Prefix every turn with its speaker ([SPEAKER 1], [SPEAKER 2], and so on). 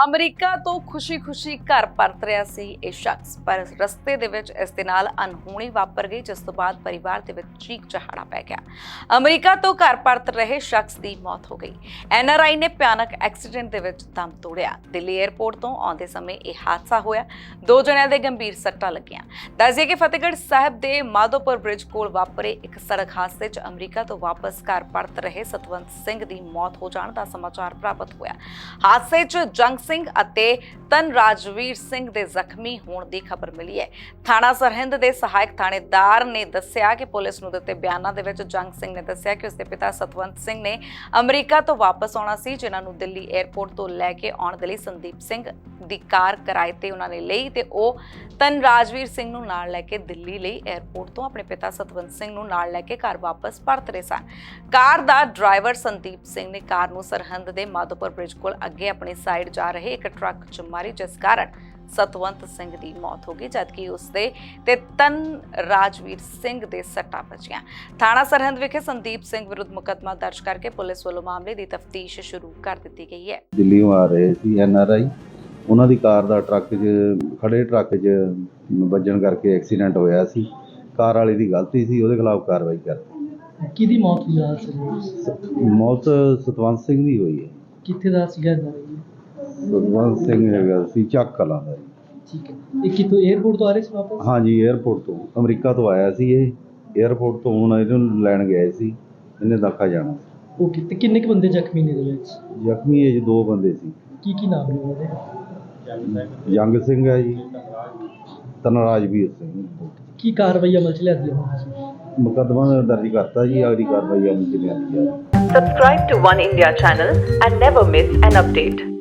[SPEAKER 1] America ਤੋਂ ਖੁਸ਼ੀ-ਖੁਸ਼ੀ ਘਰ ਪਰਤ ਰਿਹਾ ਸੀ ਇਹ ਸ਼ਖਸ, ਪਰ ਰਸਤੇ ਦੇ ਵਿੱਚ ਇਸ ਦੇ ਨਾਲ ਅਣਹੋਣੀ ਵਾਪਰ ਗਈ, ਜਿਸ ਤੋਂ ਬਾਅਦ ਪਰਿਵਾਰ ਦੇ ਵਿੱਚ ਚੀਕ ਚਹਾੜਾ ਪੈ ਗਿਆ। ਅਮਰੀਕਾ ਤੋਂ ਘਰ ਪਰਤ ਰਹੇ ਸ਼ਖਸ ਦੀ ਮੌਤ ਹੋ ਗਈ। ਐਨਆਰਆਈ ਨੇ ਭਿਆਨਕ ਐਕਸੀਡੈਂਟ ਦੇ ਵਿੱਚ ਦਮ ਤੋੜਿਆ। ਦਿੱਲੀ 에ਅਰਪੋਰਟ ਤੋਂ ਆਉਂਦੇ ਸਮੇਂ ਇਹ ਹਾਦਸਾ ਹੋਇਆ। 2 ਜਣਿਆਂ ਦੇ ਗੰਭੀਰ ਸੱਟਾਂ ਲੱਗੀਆਂ। ਦੱਸਿਆ ਕਿ ਫਤਿਹਗੜ੍ਹ ਸਾਹਿਬ ਦੇ ਮਾਧੋਪੁਰ ਬ੍ਰਿਜ ਕੋਲ ਵਾਪਰੇ ਇੱਕ ਸੜਕ ਹਾਦਸੇ 'ਚ ਅਮਰੀਕਾ ਤੋਂ ਵਾਪਸ ਘਰ ਪਰਤ ਰਹੇ ਸਤਵੰਤ ਸਿੰਘ ਦੀ ਮੌਤ ਹੋ ਜਾਣ ਦਾ ਸਮਾਚਾਰ ਪ੍ਰਾਪਤ ਹੋਇਆ। ਹਾਦਸੇ 'ਚ ਜੰਗ ਸਿੰਘ ਅਤੇ ਤਨ ਰਾਜਵੀਰ ਸਿੰਘ ਦੇ ਜ਼ਖਮੀ ਹੋਣ ਦੀ ਖਬਰ ਮਿਲੀ ਹੈ। ਥਾਣਾ ਸਰਹਿੰਦ ਦੇ ਸਹਾਇਕ ਥਾਣੇਦਾਰ ਨੇ ਦੱਸਿਆ ਕਿ ਪੁਲਿਸ ਨੂੰ ਦਿੱਤੇ ਬਿਆਨਾਂ ਦੇ ਵਿੱਚ ਜੰਗ ਸਿੰਘ ਨੇ ਦੱਸਿਆ ਕਿ ਉਸਦੇ ਪਿਤਾ ਸਤਵੰਤ ਸਿੰਘ ਨੇ ਅਮਰੀਕਾ ਤੋਂ ਵਾਪਸ ਆਉਣਾ ਸੀ, ਜਿਨ੍ਹਾਂ ਨੂੰ ਦਿੱਲੀ 에ਅਰਪੋਰਟ ਤੋਂ ਲੈ ਕੇ ਆਉਣ ਦੇ ਲਈ ਸੰਦੀਪ ਸਿੰਘ ਦੀ ਕਾਰ ਕਿਰਾਏ ਤੇ ਉਹਨਾਂ ਨੇ ਲਈ ਤੇ ਉਹ ਤਨ ਰਾਜਵੀਰ ਸਿੰਘ ਨੂੰ ਨਾਲ ਲੈ ਕੇ ਦਿੱਲੀ ਲਈ 에ਅਰਪੋਰਟ ਤੋਂ ਆਪਣੇ ਪਿਤਾ ਸਤਵੰਤ ਸਿੰਘ ਨੂੰ ਨਾਲ ਲੈ ਕੇ ਘਰ ਵਾਪਸ ਪਰਤ ਰਹੇ ਸਨ। ਕਾਰ ਦਾ ਡਰਾਈਵਰ ਸੰਦੀਪ ਸਿੰਘ ਨੇ ਕਾਰ ਨੂੰ ਸਰਹਿੰਦ ਦੇ ਮਾਧੋਪੁਰ ਬ੍ਰਿਜ ਕੋਲ ਅੱਗੇ ਆਪਣੀ ਸਾਈਡ ਜਾ ਰਹੇ ਇੱਕ ਟਰੱਕ 'ਚ ਮਾਰੀ, ਜਿਸ ਕਾਰਨ ਸਤਵੰਤ ਸਿੰਘ ਦੀ ਮੌਤ ਹੋ ਗਈ, ਜਦਕਿ ਉਸਦੇ ਤੇ ਤਨ ਰਾਜਵੀਰ ਸਿੰਘ ਦੇ ਸੱਟਾਂ ਵੱਜੀਆਂ। ਥਾਣਾ ਸਰਹਿੰਦ ਵਿਖੇ ਸੰਦੀਪ ਸਿੰਘ ਵਿਰੁੱਧ ਮੁਕੱਦਮਾ ਦਰਜ ਕਰਕੇ ਪੁਲਿਸ ਵੱਲੋਂ ਮਾਮਲੇ ਦੀ ਤਫਤੀਸ਼ ਸ਼ੁਰੂ ਕਰ ਦਿੱਤੀ ਗਈ ਹੈ।
[SPEAKER 2] ਦਿੱਲੀੋਂ ਆ ਰਹੇ ਸੀ ਐਨਆਰਆਈ, ਉਹਨਾਂ ਦੀ ਕਾਰ ਦਾ ਖੜੇ ਟਰੱਕ 'ਚ ਵੱਜਣ ਕਰਕੇ ਐਕਸੀਡੈਂਟ ਹੋਇਆ ਸੀ। ਕਾਰ ਵਾਲੇ ਦੀ ਗਲਤੀ ਸੀ, ਉਹਦੇ ਖਿਲਾਫ ਕਾਰਵਾਈ ਕਰ।
[SPEAKER 3] ਕਿਹਦੀ ਮੌਤ ਹੋਈ ਆ?
[SPEAKER 2] ਮੌਤ ਸਤਵੰਤ ਸਿੰਘ ਦੀ ਹੋਈ ਹੈ।
[SPEAKER 3] ਕਿੱਥੇ ਦਾ ਸੀਗਾ?
[SPEAKER 2] ਸਤਵੰਤ ਸਿੰਘ ਹੈਗਾ ਸੀ ਚੱਕ ਕਲਾਂ ਦਾ।
[SPEAKER 3] ਠੀਕ ਹੈ। ਇਹ ਕਿਤੋਂ 에ਅਰਪੋਰਟ ਤੋਂ ਆ ਰਹੇ ਸੀ ਵਾਪਸ?
[SPEAKER 2] ਹਾਂਜੀ, 에ਅਰਪੋਰਟ ਤੋਂ ਅਮਰੀਕਾ ਤੋਂ ਆਇਆ ਸੀ ਇਹ। 에ਅਰਪੋਰਟ ਤੋਂ ਹੁਣ ਇਹਨੂੰ ਲੈਣ ਗਏ ਸੀ, ਇਹਨੇ ਦਾਖਾ ਜਾਣਾ।
[SPEAKER 3] ਓਕੇ, ਤੇ ਕਿੰਨੇ ਕੁ ਬੰਦੇ ਜ਼ਖਮੀ ਨੇ ਇਹਦੇ ਵਿੱਚ?
[SPEAKER 2] ਜ਼ਖਮੀ ਇਹ 2 ਬੰਦੇ ਸੀ।
[SPEAKER 3] ਕੀ ਨਾਮ ਨੇ ਉਹਦੇ?
[SPEAKER 2] ਜੰਗ ਸਿੰਘ ਹੈ ਜੀ, ਤਨਰਾਜਵੀਰ ਸਿੰਘ।
[SPEAKER 3] ਕੀ ਕਾਰਵਾਈ ਅਮਲ 'ਚ ਲਿਆਂਦੀ ਹੈ?
[SPEAKER 2] ਮੁਕੱਦਮਾ ਦਰਜ ਕਰਤਾ ਜੀ, ਅਗਲੀ ਕਾਰਵਾਈ ਅਮਲ 'ਚ ਲਿਆਂਦੀ ਜਾਵੇ।
[SPEAKER 4] Subscribe to One India channel and never miss an update.